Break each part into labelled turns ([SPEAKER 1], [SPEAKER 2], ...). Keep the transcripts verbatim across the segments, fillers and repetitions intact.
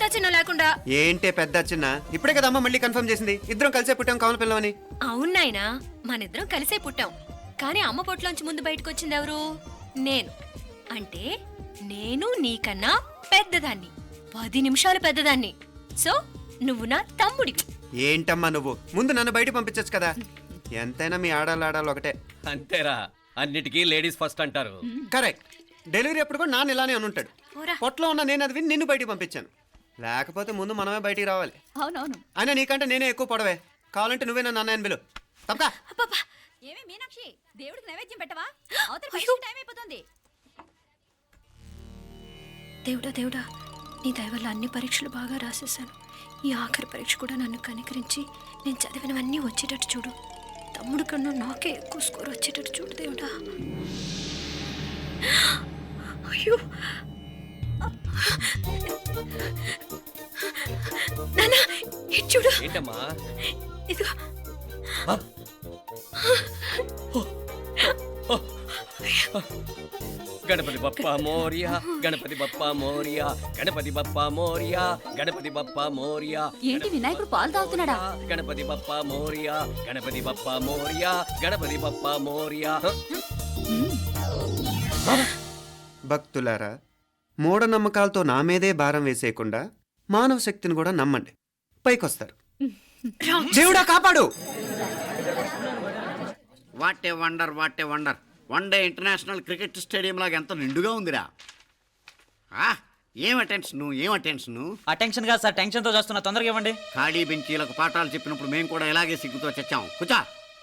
[SPEAKER 1] చిన్న లేకుండా.
[SPEAKER 2] ఏంటే పెద్ద చిన్న? ఇప్పుడే కదా అమ్మ మళ్ళీ కన్ఫర్మ్ చేసింది ఇద్దరం కలిసే పుట్టాం కమల పిల్లవని.
[SPEAKER 1] అవునాయినా, మనిద్దరం కలిసే పుట్టాం. కానీ అమ్మ పొట్లోంచి ముందు బయటకు వచ్చింది ఎవరు? నేను. అంటే నేను నీకన్నా పెద్దదాన్ని, పది నిమిషాలు పెద్దదాన్ని. సో నువ్వు నా తమ్ముడి.
[SPEAKER 2] ఏంటమ్మా నువ్వు? ముందు నన్ను బయట పంపించచ్చు కదా. ఎంతైనా మీ ఆడాలి ఆడాలి ఒకటే.
[SPEAKER 3] అంతేరా, అన్నిటికీ లేడీస్ ఫస్ట్ అంటారు.
[SPEAKER 2] కరెక్ట్. డెలివరీ అప్పుడు కూడా నాన్న ఇలానే అనుంటాడు. పొట్లో ఉన్న నేను అది విని నిన్ను బయటికి పంపించాను. లేకపోతే ముందు మనమే బయటికి రావాలి.
[SPEAKER 1] అవునవును.
[SPEAKER 2] అయినా నీకంటే నేనే ఎక్కువ పొడవే. కావాలంటే నువ్వే నన్ను అన్నయ్యను పిలు. తప్పకా.
[SPEAKER 1] ఏమే మీనాక్షి, దేవుడికి నైవేద్యం పెట్టవా? టైం అయిపోతుంది. దేవుడా దేవుడా, నీ దయ వల్ల అన్ని పరీక్షలు బాగా రాసేసాను. ఈ ఆఖరి పరీక్ష కూడా నన్ను కనికరించి నేను చదివినవన్నీ వచ్చేటట్టు చూడు. తమ్ముడు కన్నా నాకే ఎక్కువ స్కోర్ వచ్చేటట్టు చూడు దేవుడా. అయ్యో నాన్న, ఇటు చూడు.
[SPEAKER 3] ఏంటమ్మా?
[SPEAKER 1] ఇదిగో.
[SPEAKER 3] గణపతి బప్పా మోరియా, గణపతి బప్పా మోరియా, గణపతి బప్పా మోరియా, గణపతి బప్పా మోరియా.
[SPEAKER 1] ఏంటి వినాయకుడు పాలు తాగుతున్నాడా?
[SPEAKER 3] గణపతి బప్పా మోరియా, గణపతి బప్పా మోరియా, గణపతి బప్పా మోరియా.
[SPEAKER 2] భక్తులారా, మూఢనమ్మకాలతో నా మీదే భారం వేసేయకుండా మానవ శక్తిని కూడా నమ్మండి, పైకొస్తారు. దేవుడా కాపాడు.
[SPEAKER 4] What a wonder, what a wonder. One day international cricket stadium లాగా ఎంత నిండుగా ఉందిరా. ఆ, ఏం అటెన్షన్, ఏం అటెన్షన్.
[SPEAKER 5] అటెన్షన్ కాదు సార్, టెన్షన్తో చేస్తున్నా, తొందరగా ఇవ్వండి.
[SPEAKER 4] ఖాళీ బెంచీలకు పాఠాలు చెప్పినప్పుడు మేము కూడా ఇలాగే సిగ్గుతో చచ్చాం. కూర్చో.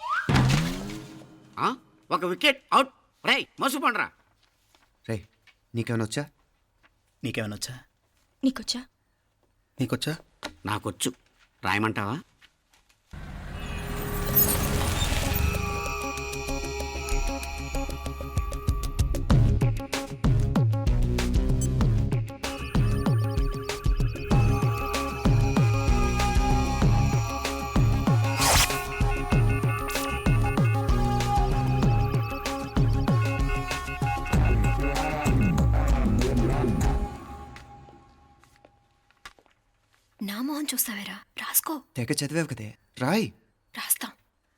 [SPEAKER 4] ఆ, ఒక వికెట్ అవుట్. రై మసు పండ్రా.
[SPEAKER 2] రే, నీకేమైనా వచ్చా?
[SPEAKER 5] నీకేమైనా వచ్చా?
[SPEAKER 1] నీకొచ్చా?
[SPEAKER 5] నీకొచ్చా?
[SPEAKER 4] నాకొచ్చు. రాయమంటావా?
[SPEAKER 1] నా మొహం చూస్తావేరా, రాసుకో.
[SPEAKER 2] తెగ చదివావు కదే, రాయ్.
[SPEAKER 1] రాస్తాం.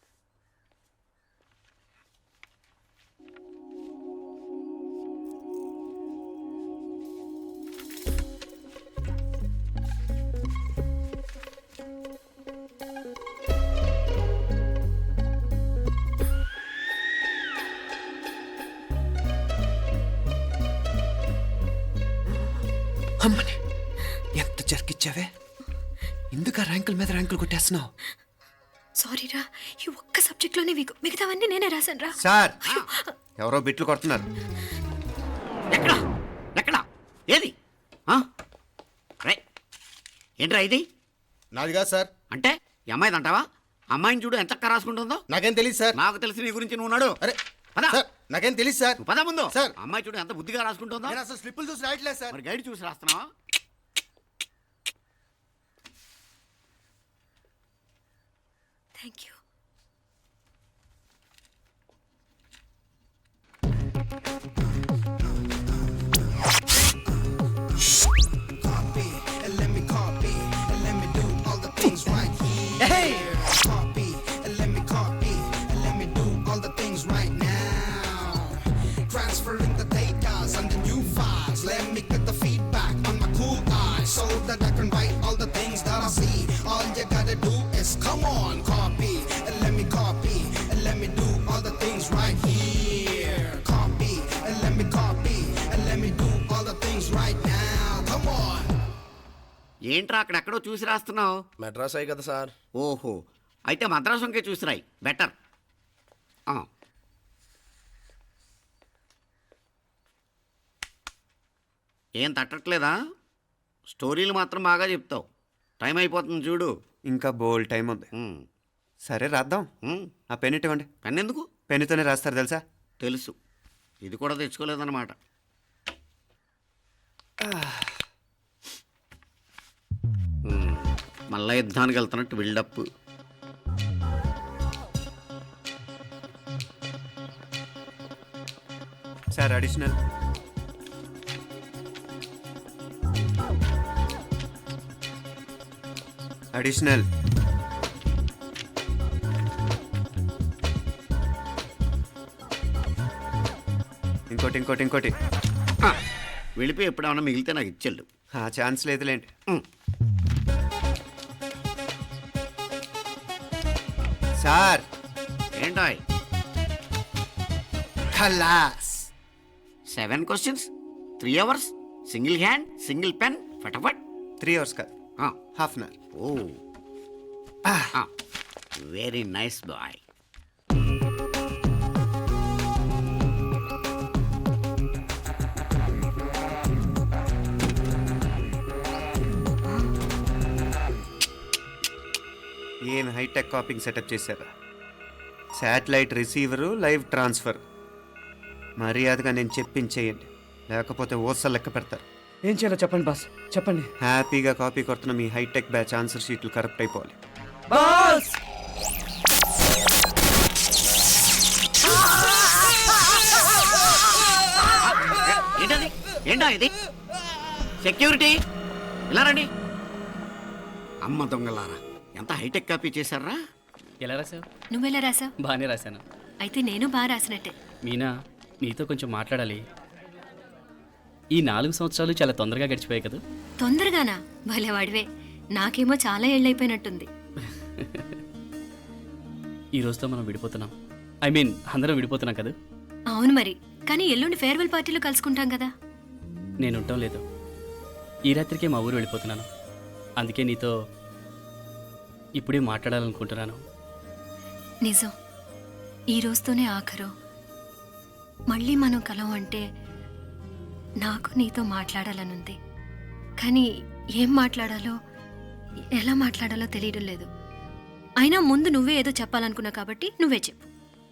[SPEAKER 2] అమ్మని ఎంత జరికిచ్చావే. ఎందుకు ర్యాంకుల మీద ర్యాంకులు కొట్టేస్తున్నావు?
[SPEAKER 1] సారీరా, ఈ ఒక్క సబ్జెక్ట్ లోనే వీకు, మిగతావన్నీ నేనే రాశాను రా.
[SPEAKER 2] సార్, ఎవరో బిట్లు కొడుతున్నారు.
[SPEAKER 4] ఎక్కడా ఎక్కడా ఏది? రై ఏంట్రా ఇది?
[SPEAKER 6] నాది కాదు సార్.
[SPEAKER 4] అంటే ఈ అమ్మాయిది అంటావా? అమ్మాయిని చూడు ఎంత రాసుకుంటుందో.
[SPEAKER 6] నాకేం తెలియదు సార్.
[SPEAKER 4] నాకు తెలిసి నీ గురించి నువ్వు ఉన్నాడు.
[SPEAKER 6] అరే
[SPEAKER 4] పదా.
[SPEAKER 6] సార్, నాకేం తెలియదు సార్.
[SPEAKER 4] పద ముందు.
[SPEAKER 6] సార్,
[SPEAKER 4] అమ్మాయి చూడు ఎంత బుద్ధిగా రాసుకుంటుందో.
[SPEAKER 6] నేను అసలు స్లిప్పులు చూసి రాయట్లేదు సార్.
[SPEAKER 4] మరి గైడ్ చూసి రాస్తున్నావా?
[SPEAKER 1] Thank you.
[SPEAKER 7] Come on, copy, and let me copy, and let me do all the things right here. Copy, and let me copy, and let me do all the things right now. Come on.
[SPEAKER 4] ఏంట్రా అక్కడెక్కడో చూసి రాస్తున్నావు?
[SPEAKER 6] మెడ్రాస్ అయ్యి కదా sir.
[SPEAKER 4] ఓహో, అయితే మద్రాసు వంకే చూసి రాయి, better. ఏం తట్టట్లేదా? స్టోరీలు మాత్రం బాగా చెప్తావు. టైం అయిపోతుంది చూడు.
[SPEAKER 2] ఇంకా బోల్ టైం ఉంది. సరే రాద్దాం. ఆ పెన్ ఇవ్వండి.
[SPEAKER 4] పెన్ ఎందుకు?
[SPEAKER 2] పెన్నుతోనే రాస్తారు తెలుసా?
[SPEAKER 4] తెలుసు. ఇది కూడా తెచ్చుకోలేదన్నమాట. మళ్ళా యుద్ధానికి వెళ్తున్నట్టు బిల్డప్.
[SPEAKER 2] Sir additional. అడిషనల్. ఇంకోటి ఇంకోటి ఇంకోటి.
[SPEAKER 4] ఆ, వెళ్ళిపోయి ఎప్పుడేమన్నా మిగిలితే నాకు ఇచ్చెళ్ళు.
[SPEAKER 2] ఆ ఛాన్స్ లేదులేండి.
[SPEAKER 4] ఉమ్.
[SPEAKER 2] సార్
[SPEAKER 4] ఏంటాయ్
[SPEAKER 2] ఖలాస్.
[SPEAKER 4] Seven questions three hours single hand single pen ఫటాఫట్.
[SPEAKER 2] త్రీ అవర్స్ కాదు,
[SPEAKER 4] ఆ,
[SPEAKER 2] half an hour.
[SPEAKER 4] Oh very nice boy.
[SPEAKER 2] ఏం హైటెక్ కాపింగ్ సెటప్ చేశారా? Satellite receiver, live transfer. మర్యాదగా నేను చెప్పించేయండి, లేకపోతే ఓసలు లెక్క పెడతారు.
[SPEAKER 3] ఏం చేయాలో చెప్పండి బాస్, చెప్పండి.
[SPEAKER 2] హ్యాపీగా కాపీ కొడుతున్న మీ హైటెక్ బ్యాచ్ ఆన్సర్ షీట్లు కరెక్ట్ అయిపోవాలి.
[SPEAKER 3] బాస్
[SPEAKER 4] ఏంటది ఏంటా ఇది? సెక్యూరిటీ ఇలా రండి. అమ్మ దొంగలారా, ఎంత హైటెక్ కాపీ చేశారా?
[SPEAKER 8] ఎలా రాసావు?
[SPEAKER 1] నువ్వెలా రాసావు?
[SPEAKER 8] బాగానే రాశాను.
[SPEAKER 1] అయితే నేను బాగా రాసినట్టే.
[SPEAKER 8] మీనా, నీతో కొంచెం మాట్లాడాలి. ఈ నాలుగు సంవత్సరాలు చాలా తొందరగా గడిచిపోయాయి కదా.
[SPEAKER 1] తొందరగానా? భలేవాడివే. నాకేమో చాలా ఏళ్ళైపోయినట్టుంది.
[SPEAKER 8] ఈ రోజుతో మనం విడిపోతున్నాం. ఐ మీన్ అందరం విడిపోతున్నాం కదా.
[SPEAKER 1] అవును మరి, కానీ ఎల్లుండి ఫేర్వెల్ పార్టీలో కలుసుకుంటాం కదా.
[SPEAKER 8] నేను ఉండటం లేదు. ఈ రాత్రికే మా ఊరు వెళ్ళిపోతున్నాను. అందుకే నీతో ఇప్పుడే మాట్లాడాలనుకుంటున్నాను.
[SPEAKER 1] నిజం, ఈ రోజుతోనే ఆఖరు. మళ్ళీ మనం కలం అంటే నాకు నీతో మాట్లాడాలనుంది. కానీ ఏం మాట్లాడాలో, ఎలా మాట్లాడాలో తెలియడం లేదు. అయినా ముందు నువ్వే ఏదో చెప్పాలనుకున్నావు కాబట్టి నువ్వే చెప్పు.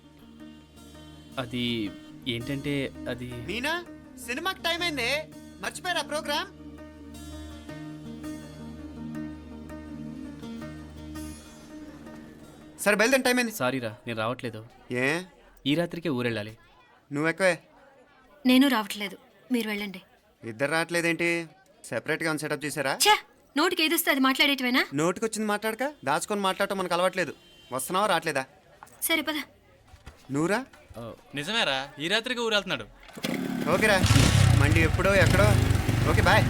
[SPEAKER 8] అది ఏంటంటే అది
[SPEAKER 2] మీనా, సినిమాకి టైం అయింది, మర్చిపోయారా ప్రోగ్రామ్? సరే బయలుదేరి, టైం అయింది.
[SPEAKER 8] సారీరా, నేను రావట్లేదు.
[SPEAKER 2] ఏ
[SPEAKER 8] ఈ రాత్రికే ఊరెళ్ళాలి.
[SPEAKER 2] నువ్వు ఎక్కువే.
[SPEAKER 1] నేను రావట్లేదు, మీరు వెళ్ళండి.
[SPEAKER 2] ఇద్దరు రావట్లేదేంటి? సెపరేట్గా సెటప్ చేశారా?
[SPEAKER 1] ఛే, నోటికి ఏదొస్తే అది మాట్లాడేటివేనా?
[SPEAKER 2] నోటికి వచ్చింది మాట్లాడక దాచుకొని మాట్లాడటం మనకు అలవాట్లేదు. వస్తున్నావా రావట్లేదా?
[SPEAKER 1] సరే పద.
[SPEAKER 2] నువ్వురా.
[SPEAKER 9] నిజమేరా, ఈ రాత్రికి ఊరు వెళ్తున్నాడు.
[SPEAKER 2] ఓకేరా, మండి ఎప్పుడో ఎక్కడో. Okay bye.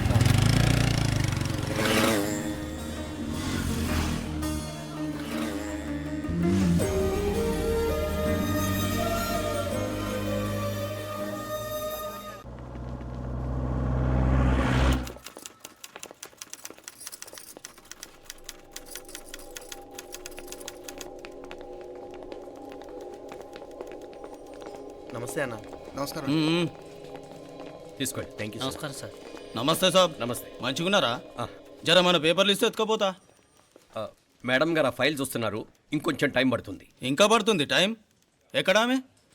[SPEAKER 6] నమస్తే అన్న. నమస్కారం.
[SPEAKER 3] తీసుకోండి. Thank you.
[SPEAKER 8] నమస్కారం సార్.
[SPEAKER 9] నమస్తే సాబ్.
[SPEAKER 3] నమస్తే.
[SPEAKER 9] మంచిగున్నారా?
[SPEAKER 3] ఆ.
[SPEAKER 9] జర మన పేపర్లు ఇస్తే ఎత్తుకోపోతా.
[SPEAKER 3] ఆ, మేడం గారు ఆ ఫైల్ చూస్తున్నారు, ఇంకొంచెం టైం పడుతుంది.
[SPEAKER 9] ఇంకా పడుతుంది టైం. ఎక్కడామే?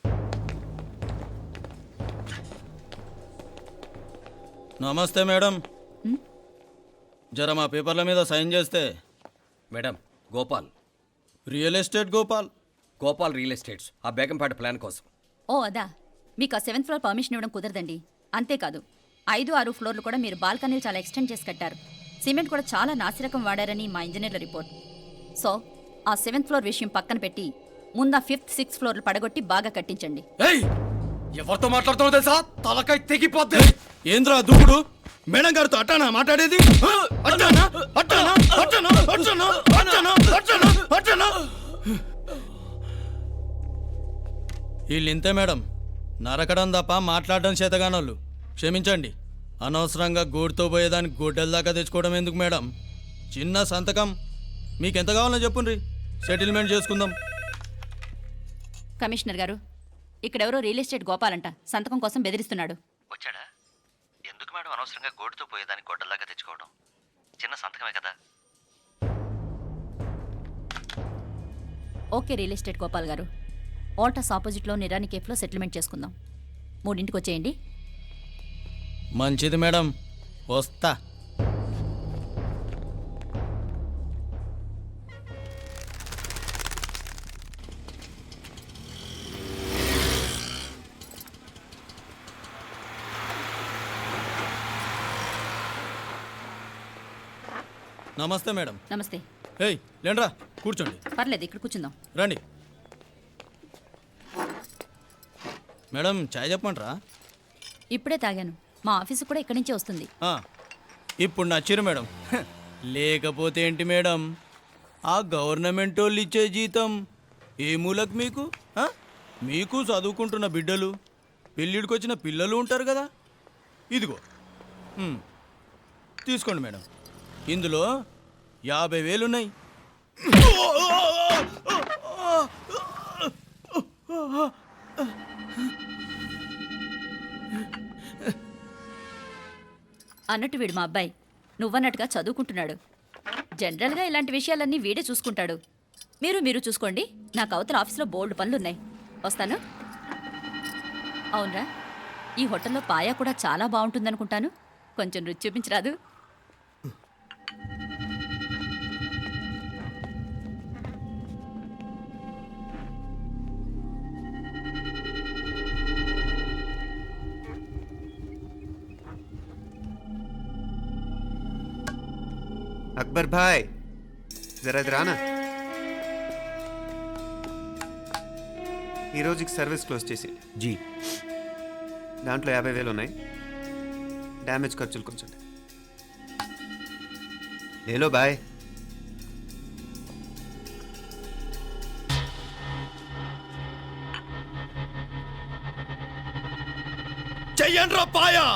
[SPEAKER 9] నమస్తే మేడం. జర మా పేపర్ల మీద సైన్ చేస్తే.
[SPEAKER 3] Madam, Gopal.
[SPEAKER 9] Real estate Gopal.
[SPEAKER 3] Gopal real estates, ఆ బేగంపేట ప్లాన్ కోసం.
[SPEAKER 10] ఓ అదా, మీకు ఆ సెవెంత్ ఫ్లోర్ పర్మిషన్ ఇవ్వడం కుదరదండి. అంతేకాదు, ఐదు ఆరు ఫ్లోర్లు కూడా మీరు బాల్కనీలు చాలా ఎక్స్టెండ్ చేసి కట్టారు. సిమెంట్ కూడా చాలా నాసిరకం వాడారని మా ఇంజనీర్ల రిపోర్ట్. సో ఆ సెవెంత్ ఫ్లోర్ విషయం పక్కన పెట్టి ముందు ఆ ఫిఫ్త్ సిక్స్త్ ఫ్లోర్లు పడగొట్టి బాగా కట్టించండి.
[SPEAKER 3] ఎవరితో మాట్లాడుతావు తెలుసా? తలకాయ తెగిపోద్ది.
[SPEAKER 9] ఏంద్రా దూకుడు? మేడం గారితో అట్టానా మాట్లాడేది? అట్టానా అట్టానా అట్టానా అట్టానా అట్టానా అట్టానా అట్టానా వీళ్ళింతే మేడం, నరకడం తప్ప మాట్లాడడం చేతగానోళ్ళు. క్షమించండి, అనవసరంగా గూడుతో పోయేదానికి గొడ్డల దాకా తెచ్చుకోవడం ఎందుకు మేడం? చిన్న సంతకం మీకెంత కావాలో చెప్పుండ్రి, సెటిల్మెంట్ చేసుకుందాం.
[SPEAKER 10] కమిషనర్ గారు, ఇక్కడెవరో రియల్ ఎస్టేట్ గోపాలంట సంతకం కోసం బెదిరిస్తున్నాడు.
[SPEAKER 5] వచ్చాడా? ఎందుకు మేడం అనవసరంగా గోటుతో పోయేదానికి గొడ్డల్లాగా తెచ్చుకోవడం? చిన్న సంతకమే కదా.
[SPEAKER 10] ఓకే రియల్ ఎస్టేట్ గోపాల్ గారు, ఆల్టాస్ ఆపోజిట్లో నిరాని కేఫ్లో సెటిల్మెంట్ చేసుకుందాం. మూడింటికి వచ్చేయండి.
[SPEAKER 9] మంచిది మేడం, వస్తా. నమస్తే మేడం.
[SPEAKER 10] నమస్తే.
[SPEAKER 9] ఏయ్ లేండ్రా కూర్చోండి.
[SPEAKER 10] పర్లేదు, ఇక్కడ కూర్చుందాం.
[SPEAKER 9] రండి మేడం, చాయ్ చెప్పమంటారా?
[SPEAKER 10] ఇప్పుడే తాగాను. మా ఆఫీసు కూడా ఇక్కడి నుంచే వస్తుంది.
[SPEAKER 9] ఆ, ఇప్పుడు నచ్చిరు మేడం. హ, లేకపోతే ఏంటి మేడం, ఆ గవర్నమెంట్ వాళ్ళు ఇచ్చే జీతం ఏ మూలకు మీకు? ఆ? మీకు చదువుకుంటున్న బిడ్డలు, పెళ్ళిడికి వచ్చిన పిల్లలు ఉంటారు కదా. ఇదిగో ఉమ్, తీసుకోండి మేడం, ఇందులో యాభై వేలున్నాయి.
[SPEAKER 10] అన్నట్టు వీడు మా అబ్బాయి నువ్వన్నట్టుగా చదువుకుంటున్నాడు. జనరల్గా ఇలాంటి విషయాలన్నీ వీడే చూసుకుంటాడు. మీరు మీరు చూసుకోండి. నాకు అవతల ఆఫీస్లో బోల్డ్ పనులున్నాయి. వస్తాను. అవునరా, ఈ హోటల్లో పాయా కూడా చాలా బాగుంటుందనుకుంటాను. కొంచెం రుచి చూపించరాదు?
[SPEAKER 2] అక్బర్ భాయ్ జరా ఇది రానా. ఈ రోజుకి సర్వీస్ క్లోజ్ చేసి
[SPEAKER 6] జీ
[SPEAKER 2] దాంట్లో యాభై వేలు ఉన్నాయి. డ్యామేజ్ ఖర్చులు కొంచెం లేలో బాయ్.
[SPEAKER 9] చెయ్యండ్రా పాయా.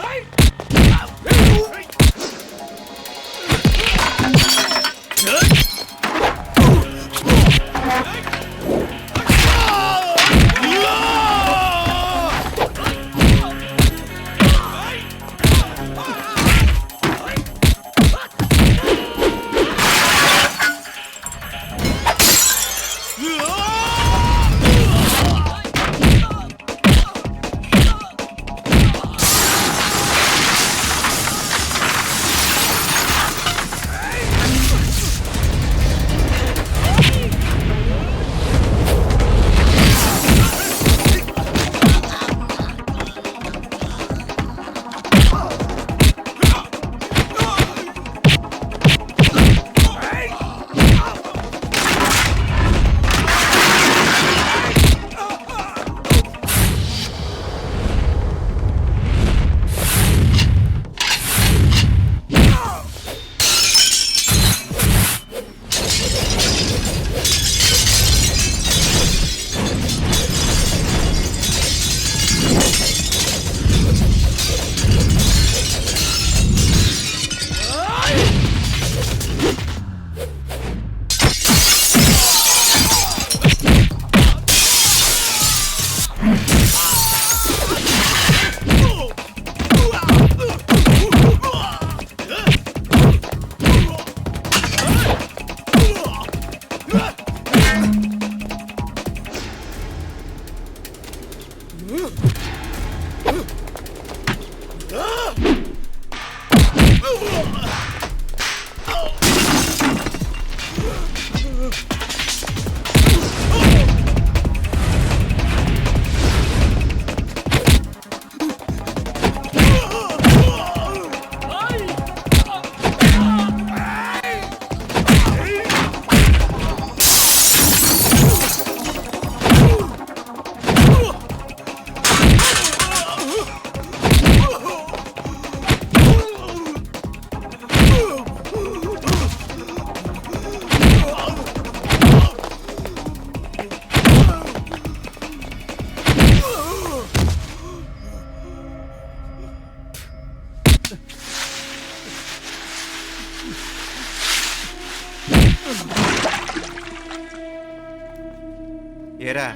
[SPEAKER 2] ఏరా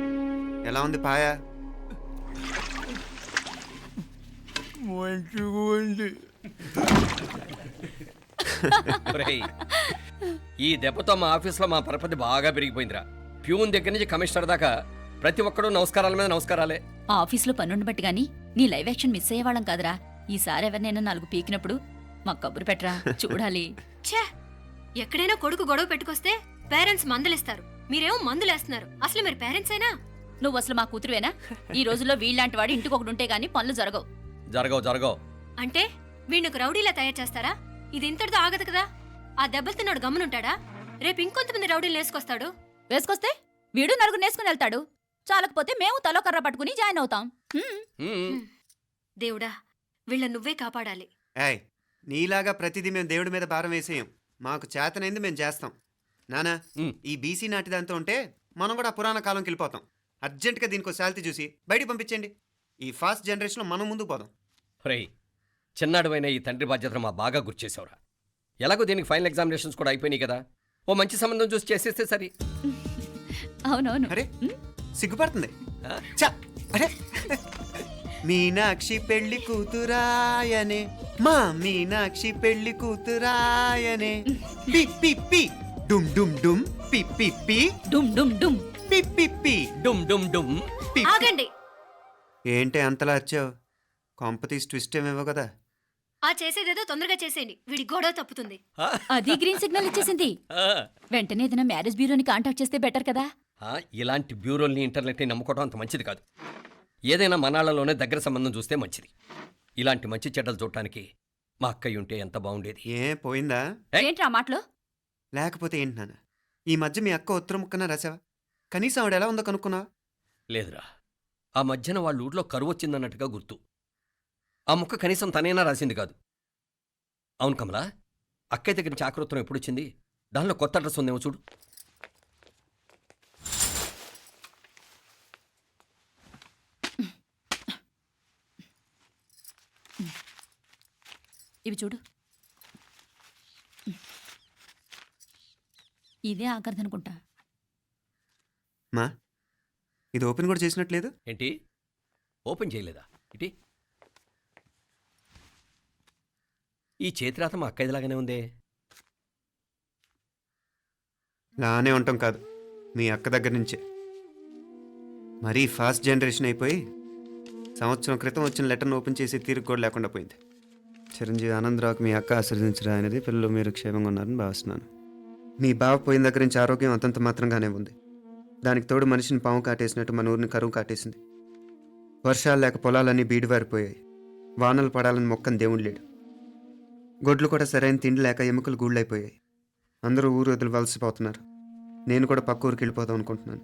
[SPEAKER 2] ఎలా ఉంది పాయా?
[SPEAKER 9] మంచిగా ఉంది.
[SPEAKER 3] ఒరేయ్, ఈ దెబ్బతో మా ఆఫీస్లో మా పరపతి బాగా పెరిగిపోయిందిరా. ప్యూన్ దగ్గర నుంచి కమిషనర్ దాకా ప్రతి ఒక్కడు నమస్కారాల మీద నమస్కారాలే.
[SPEAKER 10] ఆ ఆఫీస్లో పనుండి బట్టి గానీ నీ లైవ్ యాక్షన్ మిస్ అయ్యేవాళ్ళం కాదురా. ఈసారి ఎవరినైనా నాలుగు పీకినప్పుడు మాకు కబురు పెట్టరా, చూడాలి.
[SPEAKER 1] ఛే, ఎక్కడైనా కొడుకు గొడవ పెట్టుకొస్తే పేరెంట్స్ మందులిస్తారు, మీరేమో మందులేస్తున్నారు. అసలు మీరు పేరెంట్స్ అయినా?
[SPEAKER 10] నువ్వు అసలు మా కూతురువేనా? ఈ రోజుల్లో వీళ్ళలాంటి వాడు ఇంటికి ఒకటి ఉంటే గానీ పనులు జరగవు.
[SPEAKER 3] జరగవు జరగవు
[SPEAKER 1] అంటే వీణ్ణకు రౌడీలా తయారు చేస్తారా? ఇది ఇంతటితో ఆగదు కదా. ఆ దెబ్బలుతున్నాడు గమ్మునుంటాడా? రేపు ఇంకొంతమంది రౌడీలు వేసుకొస్తాడు.
[SPEAKER 10] వేసుకొస్తే వీడు నలుగురు నేసుకుని వెళ్తాడు. చాలకపోతే మేము తలో కర్ర పట్టుకుని జాయిన్ అవుతాం. హ్మ్.
[SPEAKER 3] హ్మ్.
[SPEAKER 1] దేవుడా, వీళ్ళ నువ్వే కాపాడాలి.
[SPEAKER 2] ఏయ్ నీలాగా ప్రతిదీ మేము దేవుడి మీద భారం వేసేయం. మాకు చేతనైంది మేము చేస్తాం. నానా
[SPEAKER 3] ఉమ్.
[SPEAKER 2] ఈ బీసీ నాటిదంతా ఉంటే మనం కూడా పురాణ కాలంకి వెళ్ళిపోతాం. అర్జెంటుగా దీనికి శాలిటీ చూసి బయటికి పంపించండి. ఈ ఫాస్ట్ జనరేషన్లో మనం ముందుకు పోదాం.
[SPEAKER 3] రేయ్ చిన్నాడువైన ఈ తండ్రి బాధ్యతను మా బాగా గుర్చేసావురా. ఎలాగో దీనికి ఫైనల్ ఎగ్జామినేషన్స్ కూడా అయిపోయినాయి కదా, ఓ మంచి సంబంధం చూసి చేసేస్తే సరి.
[SPEAKER 10] అవునవును.
[SPEAKER 2] అరే సిగ్గుపడుతుంది. చ అరే మీనాక్షి పెళ్లి కూతురాయనే, మా మీనాక్షి పెళ్లి కూతురాయనే, పి పి పి డుమ్ డుమ్ డుమ్ పి పి పి
[SPEAKER 10] డుమ్ డుమ్ డుమ్.
[SPEAKER 2] పి పి పి
[SPEAKER 3] డుమ్ డుమ్ డుమ్.
[SPEAKER 2] పి.
[SPEAKER 1] ఆగండి.
[SPEAKER 2] ఏంటి అంతలా వచ్చావు? కాంపతీస్ ట్విస్ట్ ఏమేవో కదా.
[SPEAKER 1] ఆ చేసేదేదో తొందరగా చేసేయండి, వీడి గొడవ తప్పుతుంది.
[SPEAKER 3] ఆ,
[SPEAKER 10] అది గ్రీన్ సిగ్నల్ ఇచ్చేసింది.
[SPEAKER 3] ఆ,
[SPEAKER 10] వెంటనే ఏదైనా మ్యారేజ్ బ్యూరోని కాంటాక్ట్ చేస్తే బెటర్ కదా.
[SPEAKER 3] ఆ, ఇలాంటి బ్యూరోల్ని ఇంటర్నెట్ని నమ్ముకోవడం అంత మంచిది కాదు. ఏదైనా మనాళ్ళలోనే దగ్గర సంబంధం చూస్తే మంచిది. ఇలాంటి మంచి చెడ్డలు చూడటానికి మా అక్కయ్య ఉంటే ఎంత బాగుండేది.
[SPEAKER 2] ఏ పోయిందా?
[SPEAKER 3] ఏయ్.
[SPEAKER 10] ఏంట్రా మాటలు?
[SPEAKER 2] లేకపోతే ఏంటి నాన్న, ఈ మధ్య మీ అక్క ఉత్తరం ముక్కన రాసావా? కనీసం ఆవిడ ఎలా ఉందో కనుక్కున్నావా?
[SPEAKER 3] లేదురా, ఆ మధ్యన వాళ్ళ ఊర్లో కరువు వచ్చిందన్నట్టుగా గుర్తు. ఆ ముక్క కనీసం తనైనా రాసింది కాదు. అవును కమలా, అక్కయ్య దగ్గర నుంచి ఆకృతం ఎప్పుడు వచ్చింది? దానిలో కొత్త అడ్రస్ ఉందేమో చూడు.
[SPEAKER 10] ఇవి చూడు. ఇదే ఆఖరిదనుకుంటా.
[SPEAKER 2] మా ఇది ఓపెన్ కూడా చేసినట్లేదు.
[SPEAKER 3] ఏంటి ఓపెన్ చేయలేదా? ఇటీ ఈ చేతిరాత మా అక్కయ్యలాగానే ఉందే.
[SPEAKER 2] లానే ఉంటాం కాదు, మీ అక్క దగ్గర నుంచే. మరీ ఫాస్ట్ జనరేషన్ అయిపోయి సంవత్సరం క్రితం వచ్చిన లెటర్ను ఓపెన్ చేసి తీరుకు కూడా లేకుండా పోయింది. చిరంజీవి ఆనందరావుకి మీ అక్క ఆశీర్వదించరా అనేది, పిల్లలు మీరు క్షేమంగా ఉన్నారని భావిస్తున్నాను. మీ బావ పోయిన దగ్గర నుంచి ఆరోగ్యం అంతంత మాత్రంగానే ఉంది. దానికి తోడు మనిషిని పాము కాటేసినట్టు మన ఊరిని కరువు కాటేసింది. వర్షాలు లేక పొలాలన్నీ బీడివారిపోయాయి. వానలు పడాలని మొక్కని దేవుడు లేడు. గొడ్లు కూడా సరైన తిండి లేక ఎముకలు గూళ్ళైపోయాయి. అందరూ ఊరు వదిలి వలసిపోతున్నారు. నేను కూడా పక్క ఊరికి వెళ్ళిపోదాం అనుకుంటున్నాను.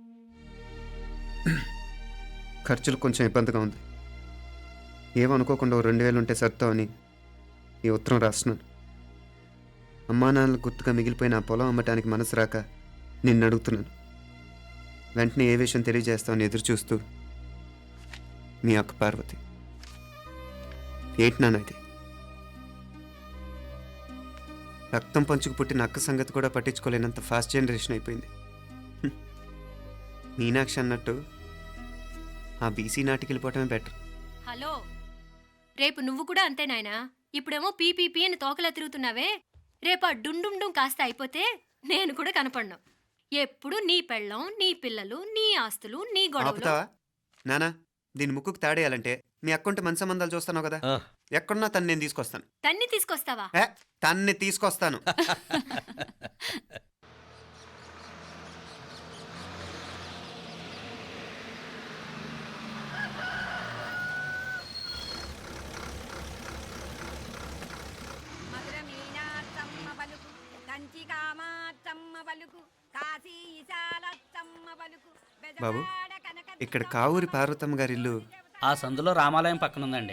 [SPEAKER 2] ఖర్చులు కొంచెం ఇబ్బందిగా ఉంది. ఏమనుకోకుండా ఓ రెండు వేలు ఉంటే సర్దామని ఈ ఉత్తరం రాస్తున్నాను. అమ్మా నాన్నలకు గుర్తుగా మిగిలిపోయిన ఆ పొలం అమ్మటానికి మనసు రాక నిన్ను అడుగుతున్నాను. వెంటనే ఏ విషయం తెలియజేస్తామని ఎదురు చూస్తూ మీ అక్క పార్వతి. ఏంటి నాన్న ఇది? రక్తం పంచుకు పుట్టిన అక్క సంగతి కూడా పట్టించుకోలేనంత ఫాస్ట్ జనరేషన్ అయిపోయింది. హ్మ్. మీనాక్షి అన్నట్టు ఆ బీసీ నాటికి వెళ్ళిపోవటమే బెటర్.
[SPEAKER 1] హలో, రేపు నువ్వు కూడా అంతే నాయనా. ఇప్పుడేమో పీపీపీ అని తోకలా తిరుగుతున్నావే, రేపు ఆ డుండుండు కాస్త అయిపోతే నేను కూడా కనపడను. ఎప్పుడు నీ పెళ్ళం, నీ పిల్లలు, నీ ఆస్తులు, నీ గొడవలు.
[SPEAKER 2] ఆపుతావా నానా? దీని ముక్కుకు తాడేయాలంటే మీ అక్కంటే మంచి సంబంధాలు చూస్తాను కదా.
[SPEAKER 3] ఆ,
[SPEAKER 2] ఎక్కడున్నా తను నేను తీసుకొస్తాను.
[SPEAKER 1] తన్ని తీసుకొస్తావా?
[SPEAKER 2] ఏ తన్ని తీసుకొస్తాను. బాబు, ఇక్కడ కావూరి పార్వతమ్మ గారి ఇల్లు
[SPEAKER 8] ఆ సందులో రామాలయం పక్కనుందండి.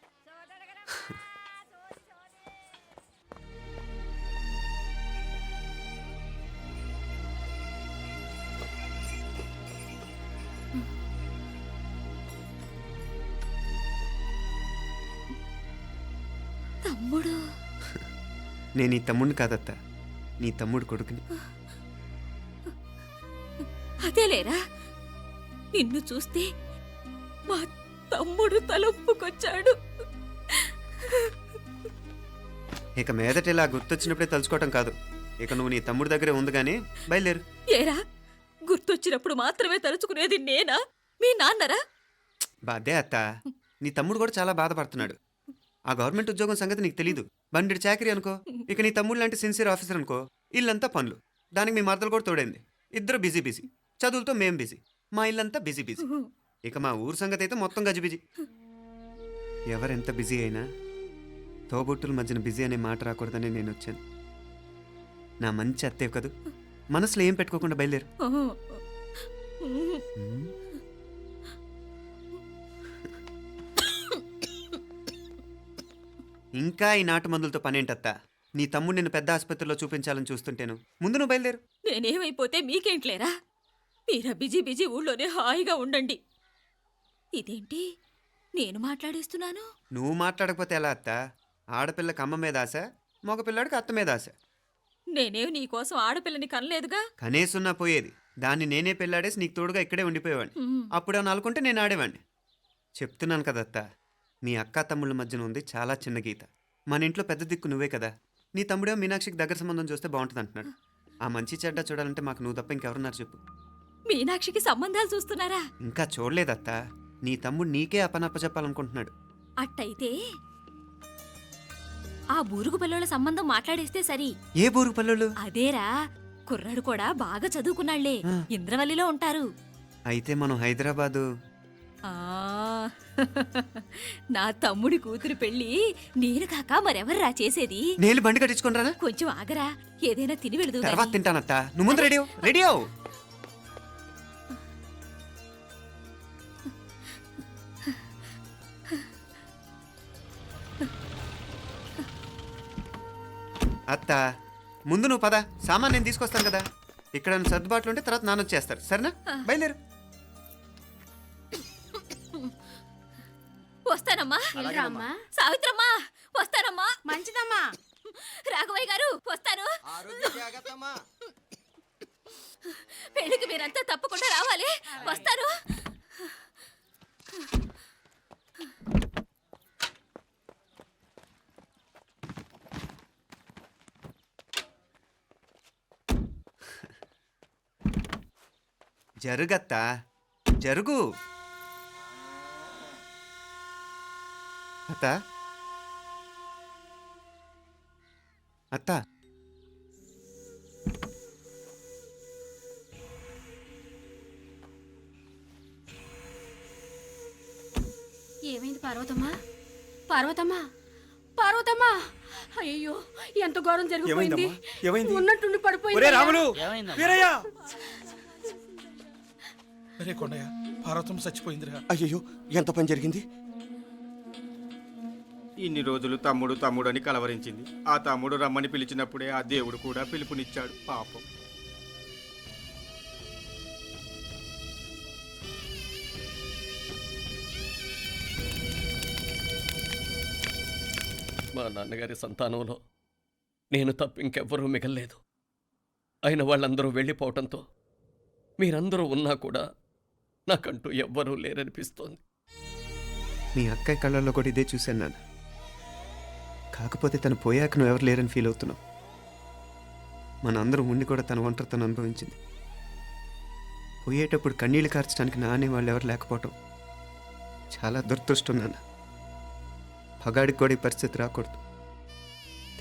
[SPEAKER 10] తమ్ముడు.
[SPEAKER 2] నేను ఈ తమ్ముడిని కాదత్త, నీ తమ్ముడు కొడుకుని.
[SPEAKER 10] అదేలేరా, నిన్ను చూస్తే మా తమ్ముడు తలొప్పుకొచ్చాడు.
[SPEAKER 2] ఇక మీదట ఇలా గుర్తొచ్చినప్పుడే తలుచుకోవటం కాదు. ఇక నువ్వు నీ తమ్ముడి దగ్గరే ఉంది కానీ బయలుదేరు.
[SPEAKER 10] ఏరా, గుర్తొచ్చినప్పుడు మాత్రమే తలుచుకునేది నేనా, మీ నాన్నరా?
[SPEAKER 2] బాధే అత్త, నీ తమ్ముడు కూడా చాలా బాధపడుతున్నాడు. ఆ గవర్నమెంట్ ఉద్యోగం సంగతి నీకు తెలీదు. బండి చాకరీ అనుకో. ఇక నీ తమ్ముడు లాంటి సిన్సియర్ ఆఫీసర్ అనుకో, ఇల్లంతా పనులు. దానికి మీ మరదలు కూడా తోడైంది. ఇద్దరు బిజీ బిజీ. చదువులతో మేం బిజీ. మా ఇల్లంతా బిజీ బిజీ. ఇక మా ఊరు సంగతి అయితే మొత్తం గజిబిజీ. ఎవరెంత బిజీ అయినా తోబుట్టుల మధ్యన బిజీ అనే మాట రాకూడదని నేను వచ్చాను. నా మంచి అత్తయ్య కదూ, మనసులో ఏం పెట్టుకోకుండా బయలుదేరు. ఉమ్. ఇంకా ఈ నాటు మందులతో పనేంటత్తా? నీ తమ్ముడు నిన్ను పెద్ద ఆసుపత్రిలో చూపించాలని చూస్తుంటేను. ముందు నువ్వు బయలుదేరు.
[SPEAKER 10] నేనేమైపోతే మీకేంట్లేరా? మీరా బిజీ బిజీ ఊళ్ళోనే హాయిగా ఉండండి. ఇదేంటి నేను మాట్లాడేస్తున్నాను?
[SPEAKER 2] నువ్వు మాట్లాడకపోతే ఎలా అత్త? ఆడపిల్లకి అమ్మ మీద ఆశ, మగపిల్లాడికి అత్త మీద ఆశ.
[SPEAKER 10] నేనేం నీకోసం ఆడపిల్లని కనలేదుగా.
[SPEAKER 2] కనేసున్నా పోయేది. దాన్ని నేనే పెళ్ళాడేసి నీకు తోడుగా ఇక్కడే ఉండిపోయేవాడిని.
[SPEAKER 10] ఉమ్.
[SPEAKER 2] అప్పుడు అని అనుకుంటే నేను ఆడేవాడిని. చెప్తున్నాను కదా అత్త, మీ అక్క తమ్ముళ్ళ మధ్యన ఉంది చాలా చిన్న గీత. మన ఇంట్లో పెద్ద దిక్కు నువ్వే కదా. నీ తమ్ముడే మీనాక్షికి దగ్గర సంబంధం చూస్తే బాగుంటుంది అంటున్నాడు. ఆ మంచి చెడ్డ చూడాలంటే మాకు నువ్వు తప్ప ఇంకెవరున్నారు చెప్పు?
[SPEAKER 10] మీనాక్షికి సంబంధాలు చూస్తున్నారా?
[SPEAKER 2] ఇంకా చూడలేదత్త. నీ తమ్ముడు నీకే అపనప్ప చెప్పాలనుకుంటున్నాడు.
[SPEAKER 10] అట్టయితే ఆ బూరుగు పిల్లల సంబంధం మాట్లాడేస్తే సరి.
[SPEAKER 2] ఏ బూరు పల్లెలు?
[SPEAKER 10] అదేరా, కుర్రాడు కూడా బాగా చదువుకున్నాళ్లే,
[SPEAKER 2] ఆ.
[SPEAKER 10] ఇంద్రవల్లిలో ఉంటారు.
[SPEAKER 2] అయితే మనం హైదరాబాదు.
[SPEAKER 10] ఆ నా తమ్ముడి కూతురు పెళ్లి నేను కాక మరెవర్రా చేసేది?
[SPEAKER 2] నేను బండి కట్టించుకుని రానా?
[SPEAKER 10] కొంచెం ఆగరా, ఏదైనా తిని వెళదు.
[SPEAKER 2] తర్వాత తింటానత్త. నువ్వు ముందు రెడీ అవ్వు. రెడీ అవ్వు. అత్త, ముందు నువ్వు పద. సామాన్ నేను తీసుకొస్తాను కదా. ఇక్కడ సర్దుబాట్లు ఉంటే తర్వాత నాన్న వచ్చేస్తారు. సరేనా? బయలుదేరు.
[SPEAKER 10] వస్తానమ్మా.
[SPEAKER 6] అలాగేనమ్మా.
[SPEAKER 10] సావిత్రమ్మా వస్తానమ్మా.
[SPEAKER 6] మంచిదమ్మా.
[SPEAKER 10] రాఘవయ్య గారు వస్తాను. పెళ్లికి మీరంతా తప్పకుండా రావాలి. వస్తాను.
[SPEAKER 2] జరుగత్తా, జరుగు. అత్త, అత్త,
[SPEAKER 1] ఏమైంది పార్వతమ్మా? పార్వతమ్మా, పార్వతమ్మా! అయ్యో, ఎంత ఘోరం జరిగిపోయింది. ఉన్నట్టుండి పడిపోయింది.
[SPEAKER 6] వీరయ్య! అరే కొండయ్య, పార్వతం చచ్చిపోయిందిరా.
[SPEAKER 11] అయ్యో, ఎంత పని జరిగింది?
[SPEAKER 6] ఇన్ని రోజులు తమ్ముడు తమ్ముడు అని కలవరించింది. ఆ తమ్ముడు రమ్మని పిలిచినప్పుడే ఆ దేవుడు కూడా పిలుపునిచ్చాడు. పాపం.
[SPEAKER 3] మా నాన్నగారి సంతానంలో నేను తప్ప ఇంకెవ్వరూ మిగల్లేదు. అయిన వాళ్ళందరూ వెళ్ళిపోవటంతో మీరందరూ ఉన్నా కూడా నాకంటూ ఎవ్వరూ లేరనిపిస్తోంది.
[SPEAKER 2] మీ అక్కయ్య కళ్ళల్లో కూడా ఇదే చూశాను నాన్న. కాకపోతే తను పోయాక నువ్వు ఎవరు లేరని ఫీల్ అవుతున్నావు. మన అందరం ఉండి కూడా తన ఒంటరితను అనుభవించింది. పోయేటప్పుడు కన్నీళ్లు కార్చడానికి నానే వాళ్ళు ఎవరు లేకపోవటం చాలా దురదృష్టం నాన్న. పగాడికి కూడా ఈ పరిస్థితి రాకూడదు.